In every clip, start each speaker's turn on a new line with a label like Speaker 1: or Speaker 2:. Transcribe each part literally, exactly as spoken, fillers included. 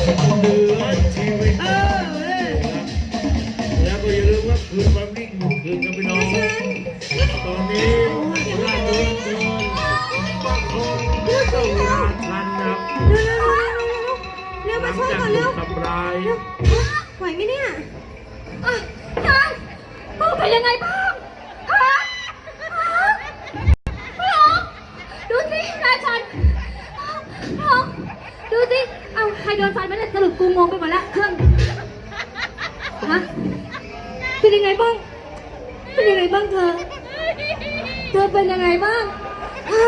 Speaker 1: เหลือชีวิตแล้วก็อย่าลืมว่าคืนความนิ่งคืนกันไปน้องตอนนี้ราชบุตรประคองต้องราชันนะ
Speaker 2: เร็วเร็วเร็วมาช่วยก่อนเร็ว
Speaker 1: ทำร้าย
Speaker 2: ไหวไหมเนี่ย
Speaker 3: ยังพ่อเป็นยังไงบ้างฮะฮะพ่อดูสินายชันพ่อดูสิเอาใครโดนฟันมาเนี่ยสรุปกูงงไปหมดแล้วเครื่องฮะเป็นยังไงบ้างเป็นยังไงบ้างเธอเธอเป็นยังไงบ้างฮะ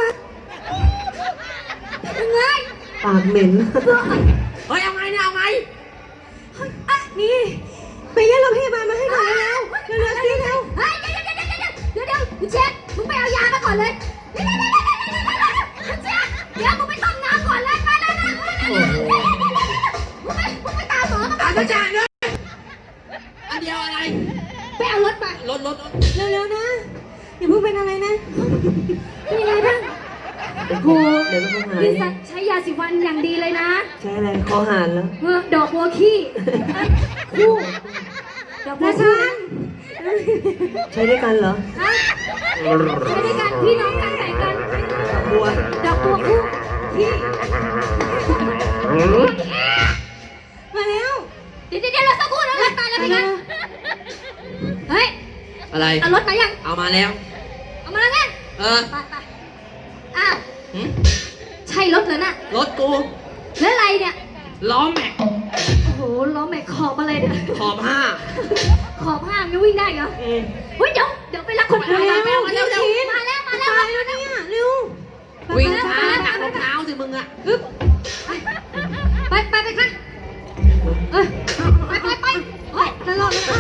Speaker 3: ยังไง
Speaker 2: ปากเหม็น
Speaker 3: เฮ้ยเอาไงเนี่ยเอาไง
Speaker 2: นี่ไปเรียกรถพยาบาลมาให้หน่อยแล้วเร็วเร็วสิเร็ว
Speaker 3: เฮ้ยเดี๋ยวเดี๋ยวเดี๋ยวเดี๋ยวเดี๋ยวเดี๋ยวเช็คมึงไปเอายามาก่อนเลยเดี๋ยวเดี๋ยวเดี๋ยวเดี๋ยวเดี๋ยวมึงไปต้มน้ำก่อนเลยไปเลยนะมึงไปมึงไปตามหมอมาก่อนอาจารย์เลยอันเดียวอะไรไปเอารถไปรถรถ
Speaker 2: เร็วเร็วนะอย่าเพิ่งเป็นอะไรนะ
Speaker 3: เป็นยังไงบ้าง
Speaker 2: โหเดี๋ยวก็คงหาย
Speaker 3: ใช้ยาสีฟันอย่างดีเลยนะ
Speaker 2: ใช้อะไรคอหานแล้ว
Speaker 3: ดอกบัวขี้คู่ดอกบัวขี้
Speaker 2: ใช้ด้วยกันเหรอ
Speaker 3: ใช้ด้วยกันพี่น้องกันแต่งกัน
Speaker 2: บัว
Speaker 3: ดอกบัวคู่พี่
Speaker 2: มาแล้ว
Speaker 3: เดี๋ยวเดี๋ยวเราสักครู่แล้วรถมาแล้วพี่กันเฮ้ย
Speaker 4: อะไร
Speaker 3: เอารถมายัง
Speaker 4: เอามาแล้ว
Speaker 3: เอามาแล้วไง
Speaker 4: เออ
Speaker 3: ไปไปอ้าวใช่รถเหรอน่ะ
Speaker 4: รถกู
Speaker 3: แล้วอะไรเนี่ย
Speaker 4: ล้อแม็ก
Speaker 3: โอ้โหล้อแม็กขอบอะไรเนี่ย
Speaker 4: ขอบห้า
Speaker 3: ขอบห้าไม่วิ่งได้เหรอเฮ้ยเดี๋ยวเดี๋ยวไปรับคนอื่นมาแล้วมาแล้วมาแล้วมาแล้วมาแล้ว
Speaker 2: เนี่ยเร็ว
Speaker 4: วิ่งช้าหนักรองเท้าสิมึงอะ
Speaker 3: ไปไปไปค่ะเออไปไปไปเฮ้ยตลอดเลย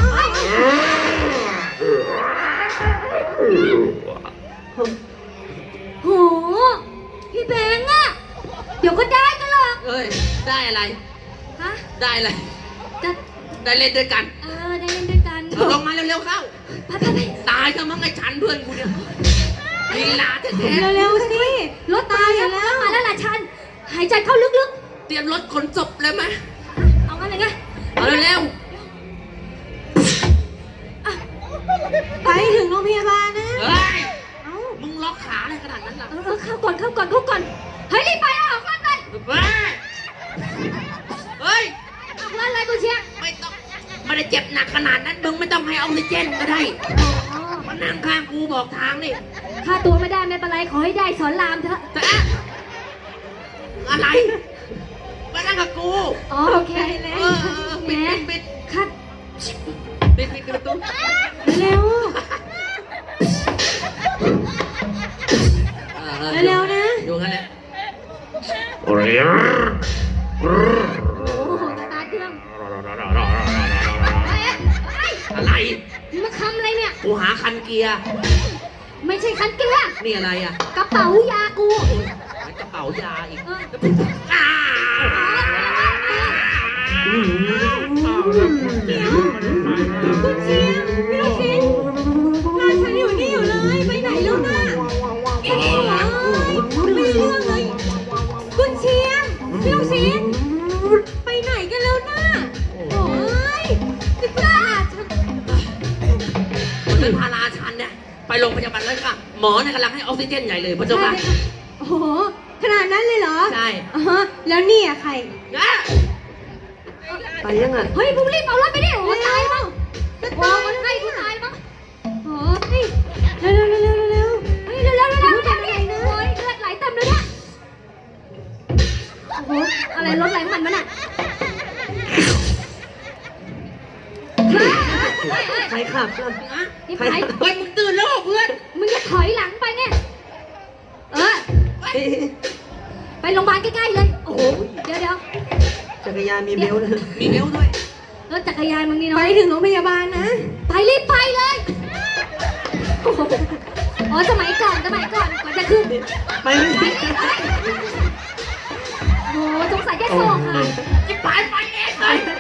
Speaker 3: โหพี่แบงค์อะเดี๋ยวก็ได้กันหรอก
Speaker 4: เอ้ยได้อะไร
Speaker 3: ฮะ
Speaker 4: ได้อะไร
Speaker 3: จะ
Speaker 4: ได้เล่นด้วยกัน
Speaker 3: เออได้เล่นด้วยกัน
Speaker 4: ลงมาเร็วๆเข้า
Speaker 3: ไปไปไป
Speaker 4: ตายซะมั้งไอ้ฉันเพื่อนกูเนี่ยลีลาแท้
Speaker 2: ๆเร็วๆสิ
Speaker 3: รถตายแล้วมาแล้วล่ะฉันหายใจเข้าลึก
Speaker 4: ๆเตรียมรถขนศพเลยไหม
Speaker 3: เอางั้นเลยไง
Speaker 4: เอาเร็ว
Speaker 2: ไปถึงโรงพยาบาลนะ
Speaker 4: เฮ้ยมึงล็อกขาอะไรขนาดนั้นล่ะ
Speaker 3: เออเข้าก่อนเข้าก่อนเข้าก่อนเฮ้ยรีบไปออกรถเลย
Speaker 4: เฮ้ย
Speaker 3: ออกรถเลยกูเชียร์
Speaker 4: ไม่ต้องไม่ได้เจ็บหนักขนาดนั้นมึงไม่ต้องให้ออกซิเจนก็ได้มานั่งข้างกูบอกทางนี่
Speaker 3: ค่าตัวไม่ได้ไม่เป็นไรขอให้ได้สอนรามเถอะ
Speaker 4: แต่อะไรมานั่งกับกู
Speaker 3: อ๋อโอเคแล้ว
Speaker 4: ปิดปิด
Speaker 3: คัด
Speaker 4: ปิดปิดประตู
Speaker 2: เร็วเร็วนะ
Speaker 4: อยู่งั้นแหละ
Speaker 3: โอ้โหตาเครื่อง
Speaker 4: อะไร
Speaker 3: มาทำอะไรเนี่ย
Speaker 4: กูหาคันเกียร์
Speaker 3: ไม่ใช่คันเกียร์
Speaker 4: นี่อะไรอ่ะ
Speaker 3: กระเป๋ายากู
Speaker 4: กระเป๋ายาอีก
Speaker 2: คุณเชียร์พี่ลูกชิ้นนายฉันอยู่นี่อยู่เลยไปไหนแล้วน่ะเอ๊ะไม่เรื่องเลยคุณเชียร์พี่ลูกชิ้นไปไหนกันแล้วน่ะโอ้ยจะกล้าฉัน
Speaker 4: คนนั้นพาราชันเนี่ยไปโรงพยาบาลเลยค่ะหมอเนี่ยกำลังให้ออกซิเจนใหญ่เลยพระเจ้าค่ะ
Speaker 2: โอ้โหขนาดนั้นเลยเหรอ
Speaker 4: ใช่
Speaker 2: แล้วนี่อะใครไปยังไง
Speaker 3: เฮ้ยมึงรีบเอารถไปดิโอ้ตายมั้งโอ้มันให้กูตายมั้ง
Speaker 2: โอ้ยเร็วเร็วเร็วเร็วเร็ว
Speaker 3: เฮ้ยเร็วเร็วเร็วเร็วเร็วนะโอ้ยเลือดไหลเต็มเลยเนี่ยโอ้โหอะไรรถไหลมันมันอ่ะ
Speaker 2: ใครขับล่ะ
Speaker 3: ใคร
Speaker 4: เฮ้ยมึงตื่นแล้วเพื่อน
Speaker 3: มึงจะถอยหลังไปเนี่ยเออไปโรงพยาบาลใกล้ๆเลยโอ้โหเดี๋ยวเดี๋ยว
Speaker 2: จักรยานมีเบลเลย
Speaker 4: มีเบลด้วย
Speaker 3: รถจักรยานมึงนี่เนาะ
Speaker 2: ไปถึงโรงพยาบาลนะ
Speaker 3: ไปรีบไปเลยอ๋อสมัยก่อนสมัยก่อนก่อนจะขึ้น
Speaker 2: ไปไม่ได้
Speaker 3: โอ้สงสัยแค่โซ่ค่ะ
Speaker 4: จะไปไปเองเลย